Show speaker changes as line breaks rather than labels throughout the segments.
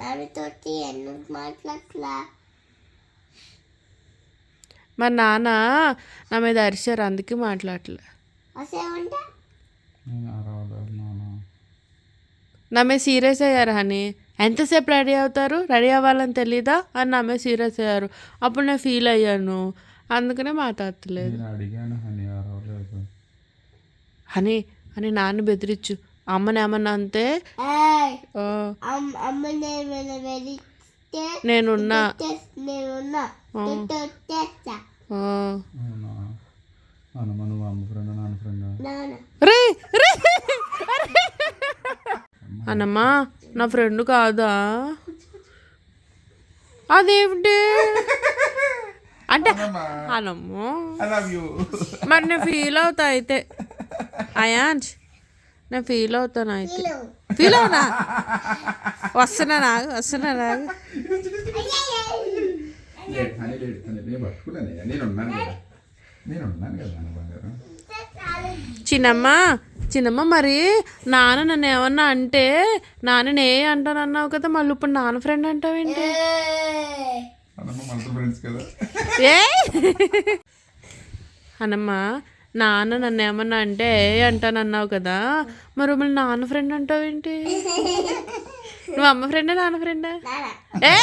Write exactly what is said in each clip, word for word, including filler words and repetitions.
నాన్నతోటి ఎందుకు మాట్లాడలా?
మా నాన్న నా మీద అరిచారు, అందుకే మాట్లాడలే.
అసేమంటే
నా మీద సీరియస్ అయ్యారు హనీ. ఎంతసేపు రెడీ అవుతారు, రెడీ అవ్వాలని తెలీదా అని నా మీద సీరియస్ అయ్యారు. అప్పుడు నేను ఫీల్ అయ్యాను, అందుకనే మాట్లాడలేదు. హనీ అని నాన్న బెదిరించు, అమ్మని ఏమన్నా అంతే నేనున్నా అన్నమ్మా నా ఫ్రెండ్ కాదా? అదేమిటి అంటే అనమ్మో, మరి నేను ఫీల్ అవుతా అయితే. అయాన్స్ నేను ఫీల్ అవుతాను అయితే. ఫీల్ అవునా? వస్తున్నా నాకు వస్తున్నా నాకు చిన్నమ్మ చిన్నమ్మ మరి నాన్న నన్ను ఏమన్నా అంటే నాన్న నే అంటాను అన్నావు కదా, మళ్ళీ ఇప్పుడు నాన్న ఫ్రెండ్ అంటావేంటి? ఏ అనమ్మ నాన్న నన్ను ఏమన్నా అంటే అంటాను అన్నావు కదా, మరి మళ్ళీ నాన్న ఫ్రెండ్ అంటావేంటి? నువ్వు అమ్మ ఫ్రెండా నాన్న ఫ్రెండా? ఏ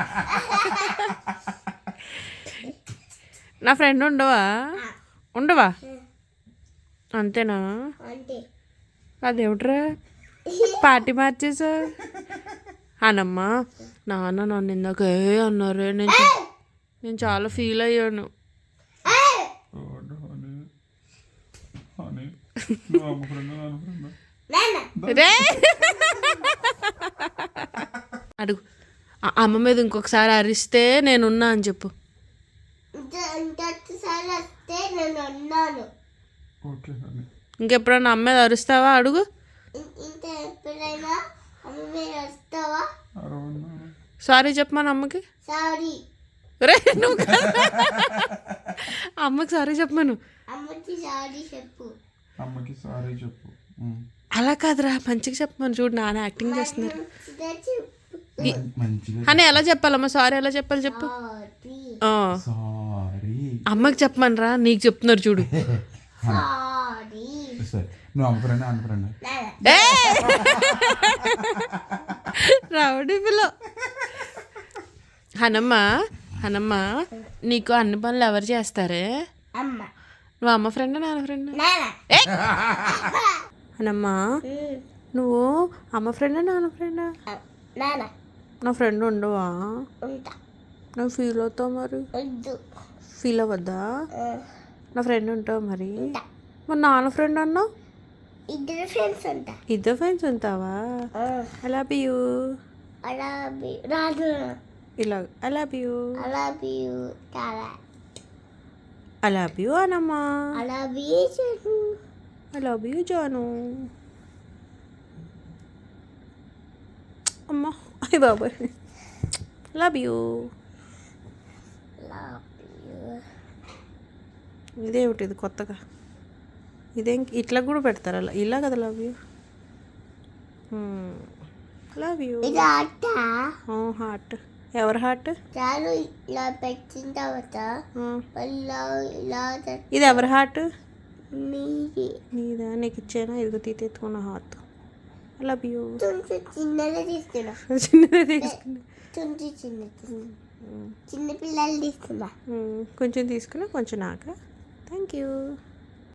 నా ఫ్రెండ్ ఉండవా? ఉండవా అంతేనా? అదేమిట్రా పార్టీ మార్చేసా? అనమ్మా నాన్న నన్ను ఇందాక ఏ అన్నారే, నేను నేను చాలా ఫీల్ అయ్యాను. అడుగు అమ్మ మీద ఇంకొకసారి అరిస్తే నేనున్నా అని చెప్పు. ఇంకెప్పుడన్నా అమ్మ మీద అరుస్తావా అడుగు. సారీ చెప్పమని అమ్మకి. రే నువ్వు అమ్మకి సారీ చెప్పమను. అలా కాదురా, మంచిగా చెప్పమని. చూడు నాన్న యాక్టింగ్ చేస్తున్నారు. అని ఎలా చెప్పాలమ్మా సారీ ఎలా చెప్పాలి చెప్పు. అమ్మకి చెప్పమని రా, నీకు చెప్తున్నారు చూడు. రౌడీ పిల్ల. హనమ్మ హనమ్మ నీకు అన్ని పనులు ఎవరు చేస్తారే? నువ్వు అమ్మ ఫ్రెండా నాన్న ఫ్రెండా? హనమ్మా నువ్వు అమ్మ ఫ్రెండా నాన్న ఫ్రెండా? నా ఫ్రెండ్ ఉండవా? నువ్వు ఫీల్ అవుతావు మరి? ఫీల్ అవ్వద్దా? నా ఫ్రెండ్ ఉంటావు మరి? మరి నాన్న ఫ్రెండ్ అన్నావు.
ఇద్దరు ఫ్రెండ్స్ ఉంటా.
ఇద్దరు ఫ్రెండ్స్ ఉంటావా? I love you.
రాదు
ఇలా I love you.
I love you చాలా.
ఐ లవ్ యూ అనమ్మా.
ఐ లవ్ యూ జాను.
ఐ లవ్ యూ జాను. అమ్మా అయ్య బాబాయ్. Love you. ఇదేమిటి ఇది కొత్తగా? ఇదేం ఇట్లా కూడా పెడతారు అలా ఇలా కదా? Love you love you. Heart. ఎవరి హార్ట్?
ఇలా పెట్టిన తర్వాత
ఇది ఎవరి హార్ట్? నీదా? నీకు ఇచ్చానా? ఇదిగో తీతెత్తుకున్న హార్ట్. I love you.
చిన్నదే తీసుకున్నా.
చిన్నదే తీసుకున్నా.
చిన్న చిన్న పిల్లలు తీసుకున్నా.
కొంచెం తీసుకున్నా కొంచెం నాక. Thank you.